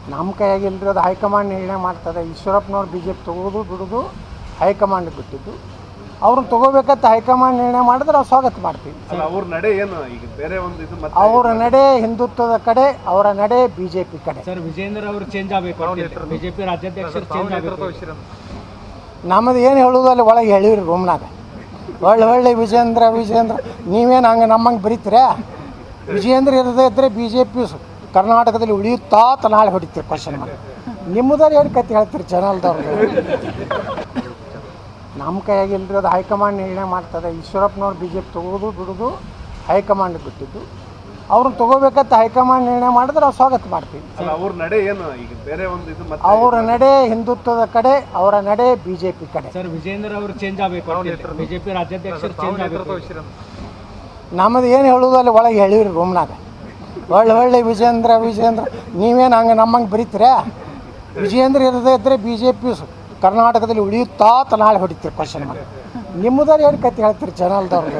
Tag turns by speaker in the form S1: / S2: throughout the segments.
S1: ನಮ್ಮ ಕೈಯಾಗಿಲ್ಲರಿ, ಅದು ಹೈಕಮಾಂಡ್ ನಿರ್ಣಯ ಮಾಡ್ತದೆ. ಈಶ್ವರಪ್ಪನವ್ರು ಬಿ ಜೆ ಪಿ ತೊಗೋದು ಬಿಡೋದು ಹೈಕಮಾಂಡ್ಗೆ ಬಿಟ್ಟಿದ್ದು. ಅವ್ರನ್ನ ತೊಗೋಬೇಕಂತ ಹೈಕಮಾಂಡ್ ನಿರ್ಣಯ ಮಾಡಿದ್ರೆ ನಾವು ಸ್ವಾಗತ ಮಾಡ್ತೀವಿ.
S2: ಅವ್ರ ನಡೆ ಏನು ಈಗ ಬೇರೆ ಒಂದು ಇದು
S1: ಅವರ ನಡೆ ಹಿಂದುತ್ವದ ಕಡೆ, ಅವರ ನಡೆ ಬಿ ಜೆ ಪಿ ಕಡೆ.
S3: ಸರ್, ವಿಜೇಂದ್ರ ಅವರು ಚೇಂಜ್ ಆಗಬೇಕು, ಬಿಜೆಪಿ ರಾಜ್ಯಾಧ್ಯಕ್ಷರು ಚೇಂಜ್ ಆಗಬೇಕು.
S1: ನಮ್ಮದು ಏನು ಹೇಳೋದು ಅಲ್ಲಿ ಒಳಗೆ ಹೇಳಿವ್ರಿ ರೂಮ್ನಾಗ. ಒಳ್ಳೆ ವಿಜೇಂದ್ರ ನೀವೇನು ಹಂಗೆ ನಮ್ಮಂಗೆ ಬರೀತೀರ? ವಿಜೇಂದ್ರ ಇರದೇ ಇದ್ದರೆ ಬಿ ಜೆ ಪಿ ಕರ್ನಾಟಕದಲ್ಲಿ ಉಳಿಯುತ್ತಾ ನಾಳೆ ಹೊಡಿತೀರಿ ಕ್ವಶನ್ ಮಾಡಿ. ನಿಮ್ಮದವ್ರು ಏನು ಕತೆ ಹೇಳ್ತೀರಿ ಚಾನಲ್ದವ್ರಿಗೆ? ನಮ್ಮ ಕೈಯಾಗಿಲ್ಲರಿ, ಅದು ಹೈಕಮಾಂಡ್ ನಿರ್ಣಯ ಮಾಡ್ತದೆ. ಈಶ್ವರಪ್ಪನವ್ರು ಬಿ ಜೆ ಪಿ ತೊಗೋದು ಬಿಡೋದು ಹೈಕಮಾಂಡ್ಗೆ ಬಿಟ್ಟಿದ್ದು. ಅವ್ರನ್ನ ತೊಗೋಬೇಕಂತ ಹೈಕಮಾಂಡ್ ನಿರ್ಣಯ ಮಾಡಿದ್ರೆ ನಾವು ಸ್ವಾಗತ ಮಾಡ್ತೀವಿ.
S2: ಅವ್ರ ನಡೆ ಏನು ಈಗ ಬೇರೆ ಒಂದು ಇದು
S1: ಅವರ ನಡೆ ಹಿಂದುತ್ವದ ಕಡೆ, ಅವರ ನಡೆ ಬಿ ಜೆ ಪಿ ಕಡೆ.
S3: ಸರ್, ವಿಜೇಂದ್ರ ಅವರು ಚೇಂಜ್ ಆಗಬೇಕು, ಬಿಜೆಪಿ ರಾಜ್ಯಾಧ್ಯಕ್ಷರು ಚೇಂಜ್ ಆಗಬೇಕು.
S1: ನಮ್ಮದು ಏನು ಹೇಳೋದು ಅಲ್ಲಿ ಒಳಗೆ ಹೇಳಿವ್ರಿ ರೂಮ್ನಾಗ. ಒಳ್ಳೆ ವಿಜೇಂದ್ರ ನೀವೇನು ಹಂಗೆ ನಮ್ಮಂಗೆ ಬರೀತೀರ? ವಿಜೇಂದ್ರ ಇರದೇ ಇದ್ದರೆ ಬಿ ಜೆ ಪಿ ಕರ್ನಾಟಕದಲ್ಲಿ ಉಳಿಯುತ್ತಾ ನಾಳೆ ಹೊಡಿತೀರಿ ಕ್ವಶನ್ ಮಾಡಿ. ನಿಮ್ಮದವ್ರು ಏನು ಕತೆ ಹೇಳ್ತೀರಿ ಚಾನಲ್ದವ್ರಿಗೆ?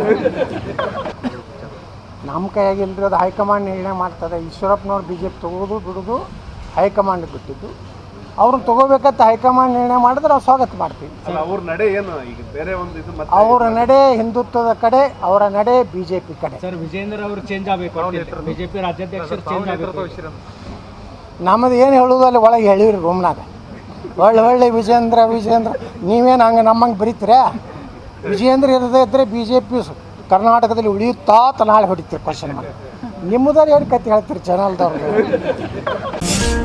S1: ನಮ್ಮ ಕೈಯಾಗಿಲ್ಲರಿ, ಅದು ಹೈಕಮಾಂಡ್ ನಿರ್ಣಯ ಮಾಡ್ತದೆ. ಈಶ್ವರಪ್ಪನವ್ರು ಬಿ ಜೆ ಪಿ ತೊಗೋದು ಬಿಡೋದು ಹೈಕಮಾಂಡ್ಗೆ ಬಿಟ್ಟಿದ್ದು. ಅವ್ರನ್ನ ತೊಗೋಬೇಕಂತ ಹೈಕಮಾಂಡ್ ನಿರ್ಣಯ ಮಾಡಿದ್ರೆ ನಾವು ಸ್ವಾಗತ ಮಾಡ್ತೀವಿ.
S2: ಅವ್ರ ನಡೆ ಏನು ಈಗ ಬೇರೆ ಒಂದು ಇದು
S1: ಅವರ ನಡೆ ಹಿಂದುತ್ವದ ಕಡೆ, ಅವರ ನಡೆ ಬಿ ಜೆ ಪಿ ಕಡೆ.
S3: ಸರ್, ವಿಜೇಂದ್ರ ಅವರು ಚೇಂಜ್ ಆಗಬೇಕು, ಬಿಜೆಪಿ ರಾಜ್ಯಾಧ್ಯಕ್ಷರು ಚೇಂಜ್ ಆಗಬೇಕು.
S1: ನಮ್ಮದು ಏನು ಹೇಳೋದು ಅಲ್ಲಿ ಒಳಗೆ ಹೇಳಿವ್ರಿ ರೂಮ್ನಾಗ. ಒಳ್ಳೆ ವಿಜೇಂದ್ರ ನೀವೇನು ಹಂಗೆ ನಮ್ಮಂಗೆ ಬರೀತೀರ? ವಿಜೇಂದ್ರ ಇರದೇ ಇದ್ದರೆ ಬಿ ಜೆ ಪಿ ಕರ್ನಾಟಕದಲ್ಲಿ ಉಳಿಯುತ್ತಾ ನಾಳೆ ಹೊಡಿತೀರಿ ಕ್ವಶನ್ ಮಾಡಿ. ನಿಮ್ಮದವ್ರು ಏನು ಕತೆ ಹೇಳ್ತೀರಿ ಚಾನಲ್ದವ್ರಿಗೆ?